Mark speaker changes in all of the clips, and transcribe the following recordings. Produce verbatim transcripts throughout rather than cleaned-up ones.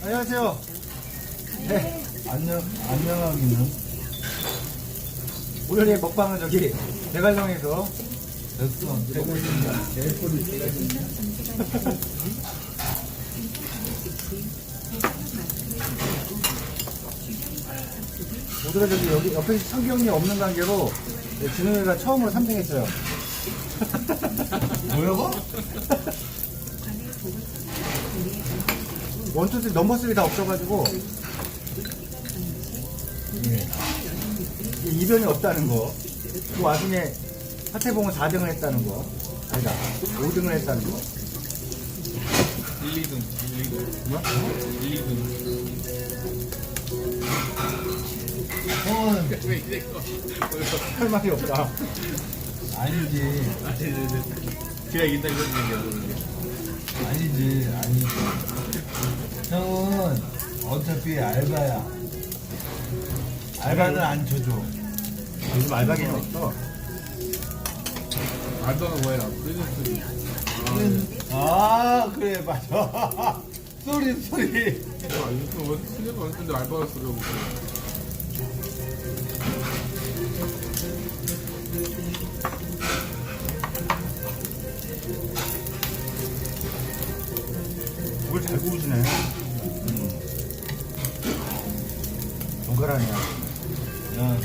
Speaker 1: 안녕하세요. 네,
Speaker 2: 안녕, 안녕하기는.
Speaker 1: 오늘의 먹방은 저기 대관령에서
Speaker 2: 됐어. 되고 있습니다. 제일 꼬리 제가
Speaker 1: 오늘은 저기 여기 옆에 성경이 없는 관계로 진우이가 처음으로 삼 등 했어요.
Speaker 2: 뭐라고?
Speaker 1: 원투 쓰리 넘버 쓰리 다 없어가지고 예. 이변이 없다는 거. 그 와중에 하태봉은 사 등을 했다는 거. 아니다, 오 등을 했다는 거.
Speaker 3: 일, 이 등, 일, 이 등,
Speaker 1: 뭐?
Speaker 3: 일, 이 등.
Speaker 2: 형은
Speaker 3: 왜 이래?
Speaker 1: 할 말이 없다.
Speaker 2: 아니지.
Speaker 3: 아, 네네네. 제가 이긴다 이런 얘기야.
Speaker 2: 아니지. 아니지. 형은 어차피 알바야. 알바는 안 쳐줘.
Speaker 1: 요즘 알바기는 없어.
Speaker 3: 알바가 뭐야? 프리랜서.
Speaker 2: 아, 그래, 맞아. 쏘리, 쏘리.
Speaker 3: 아, 요즘 뭐 실력 많은데 알바가 쓰려고.
Speaker 1: 그걸 잘 구우시네. 음. 정갈하네요.
Speaker 2: 야,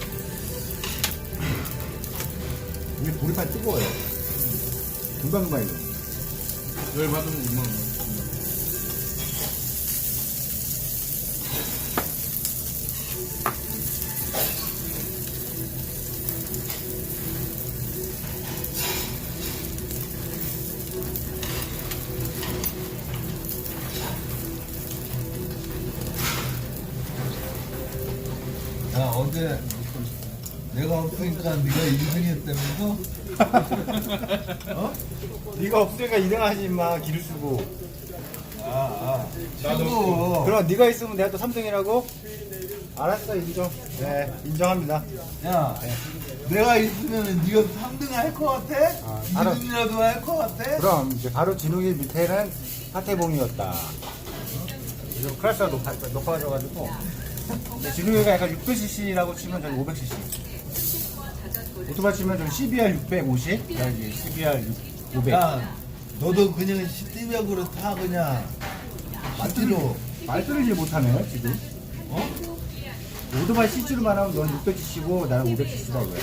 Speaker 1: 이게 보리판 뜨거워요. 금방금방 이거.
Speaker 3: 열 받으면 오만 원.
Speaker 2: 야, 어제 내가 없으니까 네가 일 등 했다면서?
Speaker 1: 어? 네가 없으니까 이 등 하지 마. 기를 쓰고.
Speaker 2: 아, 아.
Speaker 3: 나도
Speaker 2: 친구.
Speaker 1: 그럼 네가 있으면 내가 또 삼 등이라고? 알았어, 인정. 네, 인정합니다.
Speaker 2: 야, 내가 있으면 네가 삼 등 할 것 같아?
Speaker 1: 아, 알아.
Speaker 2: 이 등이라도 할 것 같아?
Speaker 1: 그럼 이제 바로 진욱이 밑에는 하태봉이었다. 요즘 클래스가 높아, 높아져가지고 진욱이가 약간 육백 씨씨라고 치면 저기 오백 씨씨. 오토바이 치면 저기 씨비알 육백오십, 여기 씨비알 오백.
Speaker 2: 야, 너도 그냥 십디백으로 타, 그냥. 맞지로.
Speaker 1: 말 끊이질 못하네 지금.
Speaker 2: 어?
Speaker 1: 오토바이 씨씨로만 하면 넌 육백 씨씨고 나는 오백 씨씨다 이거야.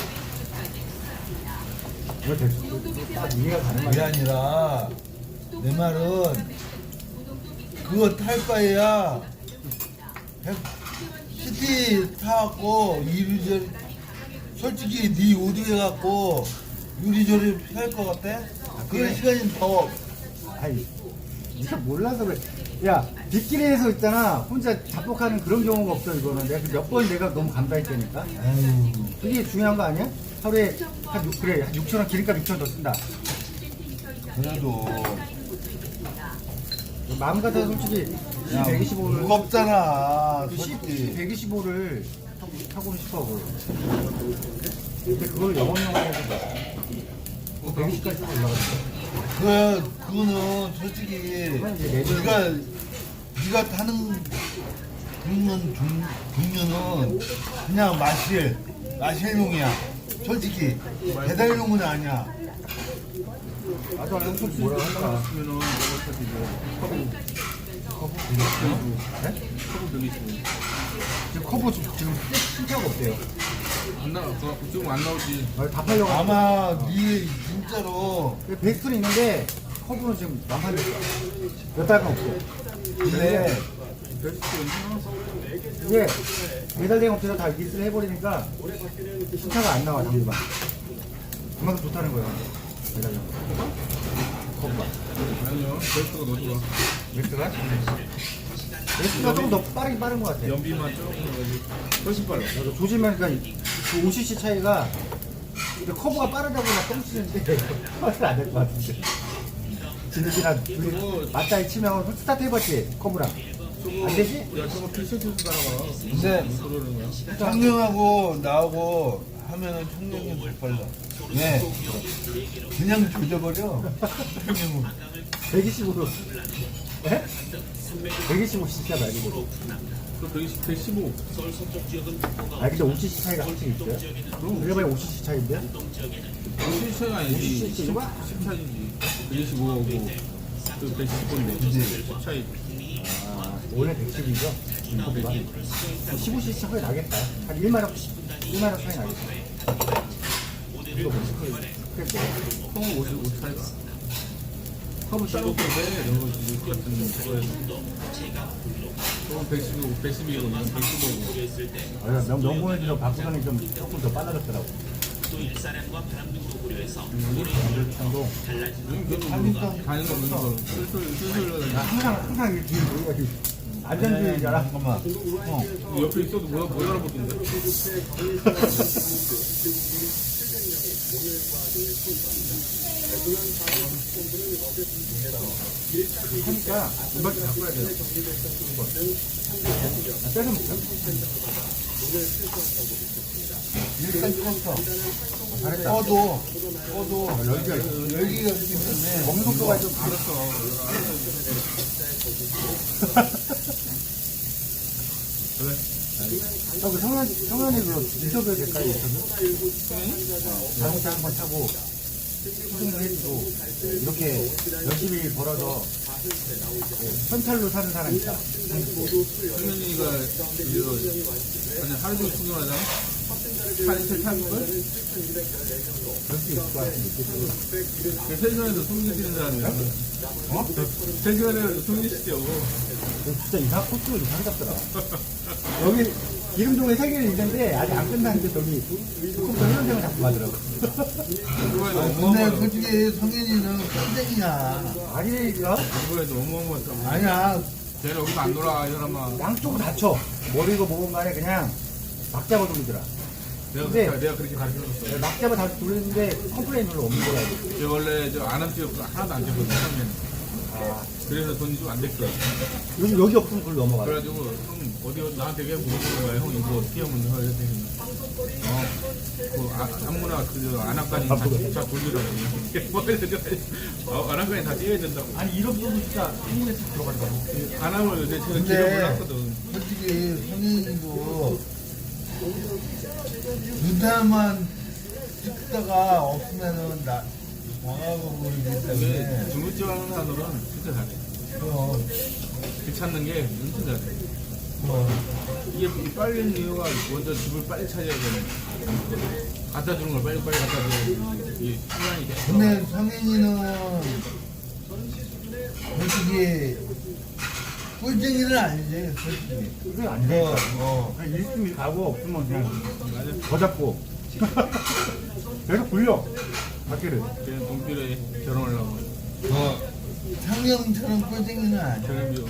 Speaker 1: 이거 됐어. 딱 이해가 가는
Speaker 2: 그게
Speaker 1: 말이야.
Speaker 2: 아니라, 내 말은, 그거 탈 바에야, 시티 타갖고, 이리저리, 솔직히 네 오등 해갖고, 이리저리 할 것 같아? 그런
Speaker 1: 그래.
Speaker 2: 시간이 더,
Speaker 1: 아이, 네가 몰라서 그래. 야, 빗길에서 있잖아. 혼자 자폭하는 그런 경우가 없어, 이거는. 내가 몇 번 내가 너무 감당했다니까.
Speaker 2: 아유,
Speaker 1: 그게 중요한 거 아니야? 하루에 한 육, 그래, 한 육천 원, 기름값 육천 원 더 쓴다.
Speaker 2: 그래도,
Speaker 1: 마음 같아서 솔직히
Speaker 2: 야,
Speaker 1: 백이십오를,
Speaker 2: 무겁잖아,
Speaker 1: 그
Speaker 2: 솔직히.
Speaker 1: 백이십오를 타고는 싶어, 그걸. 근데 그걸 영업용으로 해서 백이십까지 타고 올라갔어.
Speaker 2: 그, 그거는 솔직히,
Speaker 1: 그건 이제 레벨-
Speaker 2: 네가, 네가 타는 종류는, 종, 종류는 그냥 마실, 마실용이야. 솔직히. 배달용은 아니야.
Speaker 1: 나도 안 솔직히 뭐라 할까.
Speaker 3: 그러면은 이거 타지 뭐 커브
Speaker 1: 네?
Speaker 3: 커브 돌리시고
Speaker 1: 지금 커브 지금 지금 신차가 없대요.
Speaker 3: 안 나와. 그 지금 안 나오지.
Speaker 1: 아, 다 팔려가지고.
Speaker 2: 아마 네 진짜로
Speaker 1: 베스트는 있는데 커브는 지금 완판됐어. 몇 달간 없어. 근데 이게 배달대행 업체가 다 리스를 해버리니까 신차가 안 나와, 당분간. 그만큼 좋다는 거야. 배달대행. 커브가.
Speaker 3: 아니요. 베스트가 더 좋아.
Speaker 1: 웨스트가? 웨스트가 좀 더 빠르긴 빠른 것 같아.
Speaker 3: 연비만 조금 해가지고 훨씬 빨라.
Speaker 1: 그래서 조심하니까 그 오 씨씨 차이가 근데 커브가 빠르다고 막 뻥치는데 빠르면 안될 것 같은데. 진욱이랑 둘이 맞다이 치면 스타트 해봤지? 커브랑.
Speaker 3: 저거
Speaker 1: 안 되지?
Speaker 3: 야 저거 피셔츠 따라가.
Speaker 2: 근데
Speaker 3: 못 그러는 거야.
Speaker 2: 청량하고 나하고 하면은 청량이 더 빨라. 왜? 그냥 조져버려. 청량은.
Speaker 1: 백이십오로. 예? 백이십오 씨씨가 말고.
Speaker 3: 그 백이십, 백십오.
Speaker 1: 아 근데 오십 씨씨 차이가 확실히 있어요? 그럼 그래봐야 오십 씨씨 차이인데?
Speaker 3: 오십 차이가 아니지.
Speaker 1: 오십 씨 가?
Speaker 3: 십 차이지. 백이십오하고 그 백십오인데. 십 차이.
Speaker 1: 아, 원래 백십이죠? 인코비가. 십오 씨씨 차이 나겠다. 한 일만 원, 일만 원 차이 나겠다. 이거 뭐지? 그래,
Speaker 3: 콩은 오십오 차이가. 컵을 따로 끄는데 이런 거 지금 같은 거에서. 그건 백십오, 백십이고 이건 백십오고.
Speaker 1: 아, 명, 명분에서 바꾸더니 좀 조금 더 빨라졌더라고. 도
Speaker 3: 그래도 가는 거 보는 거 슬슬 슬슬
Speaker 1: 항상 항상 이 뒤에 보기가 안전주의자라.
Speaker 2: 잠깐만. 어.
Speaker 3: 옆에 있어도 못, 못 알아보던데.
Speaker 1: 하니까 이번 주 바꿔야 돼요. 아, 빼서 먹자.
Speaker 2: 일단 껐어.
Speaker 1: 잘했다.
Speaker 2: 꺼도, 꺼도,
Speaker 1: 아, 열기가 있어.
Speaker 2: 열기가 있기 때문에.
Speaker 1: 먹는 속도가 좀
Speaker 3: 알았어. 그래.
Speaker 1: 저그 성현, 성현이 그 인터뷰 될까요? 인터뷰? 자동차 한 번 타고 수승도 해주고 이렇게 열심히 벌어서 예, 현찰로 사는 사람 있다.
Speaker 3: 승현이가 이거 아니 하루 종일 충전하잖아. 차이틀 타는 걸?
Speaker 1: 그럴 수 있을 것 같은데.
Speaker 3: 그 세시간에서 숨기 뛰는 사람이야.
Speaker 1: 어?
Speaker 3: 세시간에서 숨기 뛰려고.
Speaker 1: 진짜 이상, 코스가 이상하게 잡더라. 여기 기름종에 세 개는 있는데 아직 안 끝났는데 저기 컴퓨터 현장을 자꾸 가더라고.
Speaker 3: 그거에도
Speaker 2: 근데
Speaker 3: 어마어마하다.
Speaker 2: 솔직히 성현이는 깜짝이야.
Speaker 1: 아니가
Speaker 3: 그거에도 어마어마하다.
Speaker 2: 아니야.
Speaker 3: 쟤는 여기서 안 놀아, 이 사람아.
Speaker 1: 양쪽으로 다쳐. 머리고 목은 간에 그냥 막 잡아 돌리더라.
Speaker 3: 내가,
Speaker 1: 근데-
Speaker 3: 그렇게- 내가 그렇게 가르쳐줬어.
Speaker 1: 막 잡아 다시 돌리는데 컴플레인 별로 없는 거야.
Speaker 3: 쟤 원래 저 안암지역 하나도 안 잡거든, 처음에는.
Speaker 1: 아,
Speaker 3: 그래서 돈이 좀 안 됐어.
Speaker 1: 요즘 여기 없으면 그걸 넘어가.
Speaker 3: 그래가지고, 형, 어디, 나한테 왜 물어보는 거야? 형, 이거 어떻게 하면 돼? 이랬더니, 어, 그, 아, 아무나, 그, 안압까지 다, 다 돌리라고. 뭐, 아, 안압까지 다 띄어야 된다고.
Speaker 1: 아니 이런 부분 진짜 한국에 들어가더라고.
Speaker 3: 안압을 요새 제가
Speaker 2: 근데-
Speaker 3: 길어 몰랐거든.
Speaker 2: 솔직히 성현이도 눈타만 찍다가 없으면은 나 나가고 그러기
Speaker 3: 근데
Speaker 2: 때문에.
Speaker 3: 중국집 하는 사람들은 진짜 잘해.
Speaker 2: 그럼,
Speaker 3: 그 찾는 게 엄청 잘해.
Speaker 2: 그럼.
Speaker 3: 이게 이 빨리는 이유가 먼저 집을 빨리 찾아야 되는. 갖다 주는 걸 빨리빨리 갖다 주는 이 시간이 돼.
Speaker 2: 근데 성현이는 솔직히 꿀쟁이는 아니지, 솔직히.
Speaker 1: 그게 안 돼.
Speaker 2: 어, 어.
Speaker 1: 그냥 일심이 가고 없으면 그냥 더 잡고. 계속 굴려. 바퀴를.
Speaker 3: 걔는 동필에 결혼하려고.
Speaker 2: 어. 상영처럼 꿀쟁이는 아니야.
Speaker 3: 결혼비용.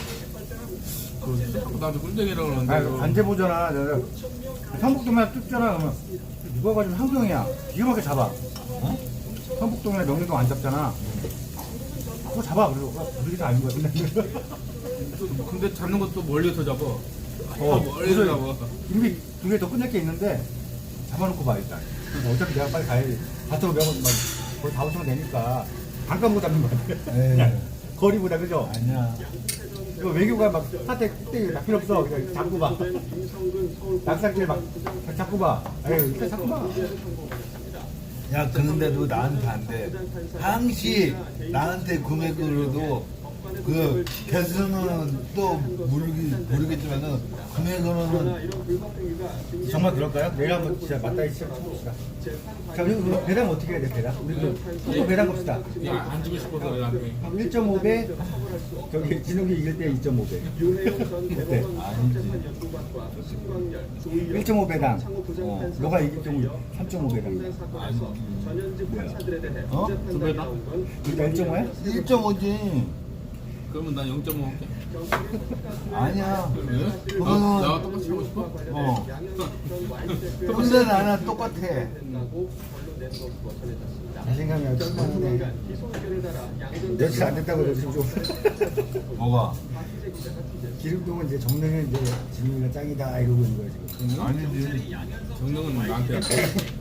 Speaker 3: 그, 나도 꿀쟁이라고
Speaker 1: 아,
Speaker 3: 그러는데.
Speaker 1: 안 재보잖아. 내가 성북동이나 뜯잖아. 그러면 누가 가지고 한경이야. 기가 막히게 잡아. 어? 성북동이나 명륜동 안 잡잖아. 그거 잡아. 그리고 우리가 다 아닌 것 같은데.
Speaker 3: 또, 근데 잡는 것도 멀리서 잡아.
Speaker 1: 어,
Speaker 3: 어, 멀리서
Speaker 1: 그래서
Speaker 3: 잡아.
Speaker 1: 이미 두 개 더 끝낼 게 있는데 잡아놓고 봐 일단. 어차피 내가 빨리 가야지. 다짜고 명은 막 거의 다 오시면 되니까 잠깐 잡는 거 같아.
Speaker 2: 에이.
Speaker 1: 거리보다 그죠?
Speaker 2: 아니야.
Speaker 1: 이거 외교가 막 사태 그때 다 필요 없어. 그냥 잡고 봐. 낙상길 막 잡고 봐. 에휴 일단 잡고 봐.
Speaker 2: 야, 그런데도 나한테 안 돼. 항시 나한테 금액으로도 그 개수는 또 모르기, 모르겠지만은 금액으로는
Speaker 1: 정말 그럴까요? 내일 한번 진짜 맞다이 시작 쳐봅시다. 자, 우리 그 배당 어떻게 해야 돼, 배당? 우리 그 소금 배당 봅시다.
Speaker 3: 야, 안 주고 싶어서 나한테.
Speaker 1: 일 점 오 배, 저기 진욱이 이길 때 이 점 오 배. 어때? 일 점 오 배당. 어, 너가 이길 경우 삼 점 오 배당.
Speaker 2: 어?
Speaker 3: 두 배다?
Speaker 1: 우리가 일 점 오야?
Speaker 2: 일 점 오지.
Speaker 3: 그러면 난 영 점 오 할게.
Speaker 2: 아니야.
Speaker 3: 왜?
Speaker 2: 그거는-
Speaker 3: 나, 나와 똑같이 하고 싶어?
Speaker 2: 어. 근데 나랑 똑같아.
Speaker 1: 자신감이 없네. 며칠 안 됐다고 너 지금 좀.
Speaker 2: 뭐가?
Speaker 1: 기름동은 이제 정릉은 이제 진욱이가 짱이다 이러고 있는 거야 지금.
Speaker 2: 아니지.
Speaker 3: 정릉은 나한테 할게.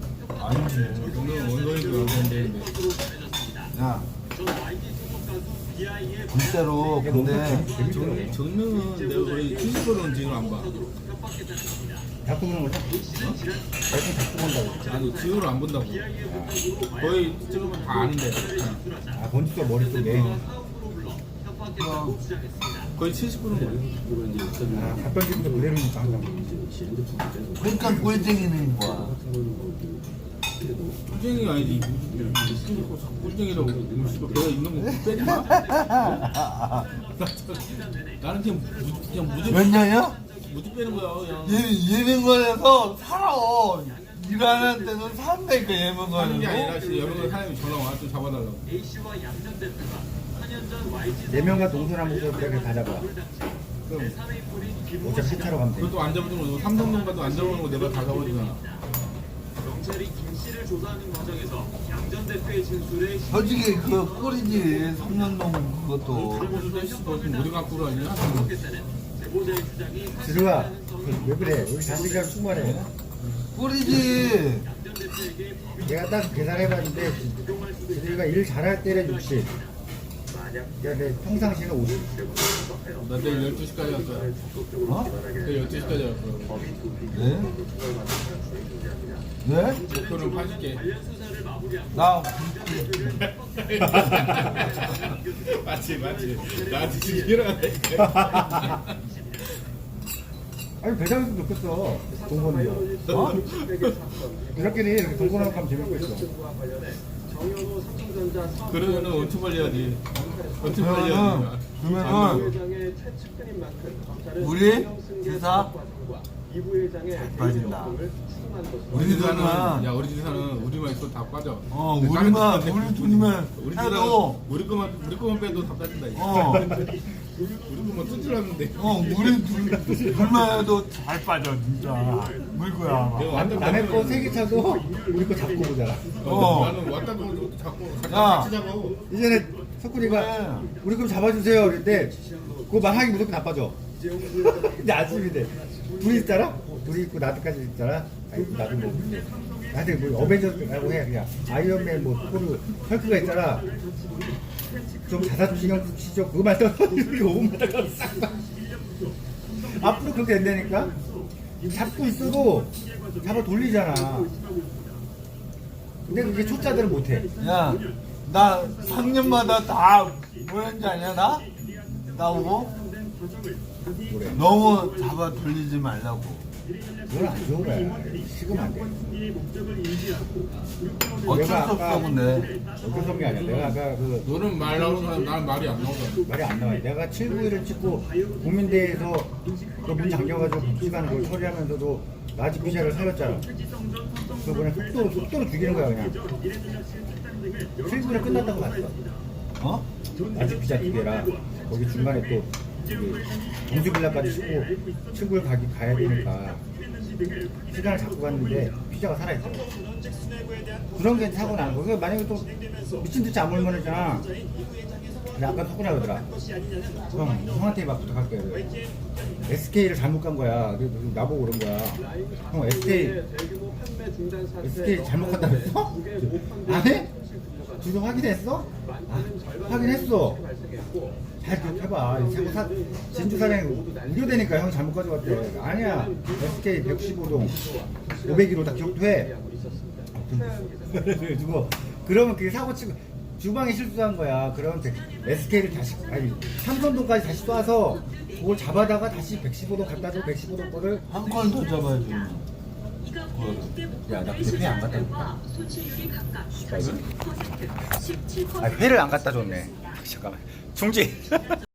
Speaker 2: 아니지.
Speaker 3: 정릉은 원소인 줄 알았는데.
Speaker 2: 야, 진짜로 근데
Speaker 3: 정- 정명은 내가 거의 칠십 번은 지금 안 봐.
Speaker 1: 자꾸 보는 거죠? 대충 자꾸 본다고.
Speaker 3: 아니 지금은 안 본다고. 거의 찍으면 다 아는데.
Speaker 1: 아, 본투가 머릿속에.
Speaker 3: 거의 칠십 번은 거의.
Speaker 1: 아, 갔던 집도 그대로니까 항상.
Speaker 2: 그러니까 꼴등이는 거야.
Speaker 3: 꿀쟁이가 아니지. 꿀쟁이라고 음식도 배가 있는 거 빼지 마. 나는 그냥 무, 그냥 무지
Speaker 2: 몇 년이야?
Speaker 3: 무지 빼는 거야 그냥.
Speaker 2: 예, 예능관에서 살아. 일하는 데는 산다니까
Speaker 3: 하는 게 아니라
Speaker 2: 예능관에서.
Speaker 3: 진짜 여러 사람이 전화 와 좀 잡아달라고.
Speaker 1: 네 명과 동서남 모습 이렇게 다 잡아. 그럼 어차피 세차로 가면 돼.
Speaker 3: 그것도 안 잡아주는 거 삼성동 가도 안 잡아주는 거 내가 다 잡아주잖아.
Speaker 4: 경찰이 김 씨를 조사하는 과정에서 양 전 대표의 진술에
Speaker 2: 솔직히 그 꼴이지. 삼년동 그것도.
Speaker 3: 잡아주는데 너 지금 어디 갖고 그러냐?
Speaker 4: 신고했다는 제보자의 주장이
Speaker 1: 지루야, 왜 그래? 우리 자식이랑 충만해.
Speaker 2: 꼴이지.
Speaker 4: 양 전 대표에게 법이
Speaker 1: 내가 딱 계산해봤는데, 지루가 일 잘할 때는 육십. 그러니까 내 평상시는 오십.
Speaker 3: 나 내일 열두 시까지 왔어.
Speaker 2: 어?
Speaker 3: 내일 열두 시까지 왔어.
Speaker 2: 네? 네?
Speaker 3: 목표는 팔십 개.
Speaker 2: 나
Speaker 3: 맞지 맞지. 나한테 지금 일어나니까.
Speaker 1: 아니, 배당에서 좋겠어. 돈 버는 거. 어? 이렇게는 이렇게 돈 버는 거 하면 재밌고 있어.
Speaker 4: 정현호 삼성전자
Speaker 3: 그러면은 원투 벌려야지. 원투
Speaker 2: 그러면은
Speaker 3: 벌려야지.
Speaker 2: 그러면은
Speaker 4: 부회장의 최측근인 만큼 검찰은
Speaker 2: 우리
Speaker 4: 김영승
Speaker 2: 회사
Speaker 4: 과정과 이 부회장의
Speaker 2: 빠진다.
Speaker 4: 대리점을 추궁한 것으로
Speaker 2: 우리
Speaker 3: 지사는
Speaker 2: 집안은
Speaker 3: 야 우리 지사는 우리만 있어도 다 빠져.
Speaker 2: 어
Speaker 3: 근데 다른
Speaker 2: 우리만
Speaker 3: 집안은
Speaker 2: 우리 돈이면
Speaker 3: 우리 지사는
Speaker 2: 해도
Speaker 3: 우리 거만 우리 거만 빼도 다 빠진다. 이거.
Speaker 2: 어.
Speaker 3: 우리 거만 뜯으라는데.
Speaker 2: 어 우리 둘 둘만 해도 잘 빠져 진짜 물고야
Speaker 3: 내가 왔다
Speaker 1: 남의 거 세 개 차도 우리 거 잡고 보잖아.
Speaker 2: 어.
Speaker 3: 나는 왔다 고 자꾸 같이
Speaker 2: 야.
Speaker 3: 같이 잡고.
Speaker 1: 이전에 석구리가 우리 거 잡아주세요. 그랬대. 그거 말하기 무조건 나빠져. 근데 아침인데 둘이 있잖아? 둘이 있고 나도까지 있잖아? 아니 나도 뭐 나한테 뭐 어벤져스라고 해 그냥 아이언맨 뭐 토르 헐크가 있잖아. 좀 자사 좀 신경 쓰시죠. 그거만 떠서 이렇게 오 분마다 싹 앞으로 그렇게 된다니까? 잡고 있어도 잡아 돌리잖아. 근데 그게 초짜들은 못해.
Speaker 2: 야나 삼 년마다 다 뭐였는지 아냐 나? 나오고
Speaker 1: 뭐래?
Speaker 2: 너무 잡아 돌리지 말라고
Speaker 1: 그건 안 좋은 거야. 식으면 안 돼.
Speaker 2: 어쩔 수
Speaker 1: 내가
Speaker 2: 없어
Speaker 1: 아까-
Speaker 2: 근데
Speaker 1: 어떤 성이 아니야. 내가 아까 그
Speaker 3: 너는 말 나오는 사람 난 말이 안 나오잖아.
Speaker 1: 말이 안 나와. 내가 칠구일을 찍고 국민대에서 그 문 잠겨가지고 복지관 그걸 처리하면서도 라지 피자를 살렸잖아. 그거 그냥 속도로, 속도로 죽이는 거야, 그냥. 칠구일에 끝났다고 봤어.
Speaker 2: 어?
Speaker 1: 라지 피자 두 개라. 거기 중간에 또 동수빌라까지 싣고 칠구일 가기 가야 되니까 시간을 잡고 갔는데 피자가 살아있어. 그런 게 사고 나는 거야. 만약에 또 미친 듯이 안 몰면 했잖아. 근데 아까 석구나 그러더라. 형, 형한테 막 부탁할 거야. 그래. 에스케이를 잘못 간 거야. 그래서 나보고 그런 거야. 형, 에스케이,
Speaker 4: 대규모 판매 중단 사태
Speaker 1: 에스케이 잘못 갔다 그랬어? 안 해? 주소 확인했어? 아, 확인했어. 잘 기억해봐. 자꾸 사, 진주 사장이 우려되니까 형이 잘못 가져갔대. 아니야. 에스케이 백십오 동 오백 일 호 다 기억도 해. 그래가지고 그러면 그게 사고 치고 주방에 실수한 거야. 그러면 에스케이를 다시 아니 삼선동까지 다시 쏴서 그걸 잡아다가 다시 백십오 동 갖다 줘. 백십오 동 거를
Speaker 2: 한 건 더 잡아야지
Speaker 1: 야, 나 근데 회 안 갖다 줬다. 아, 회를 안 갖다 줬네. 잠깐만. 중지.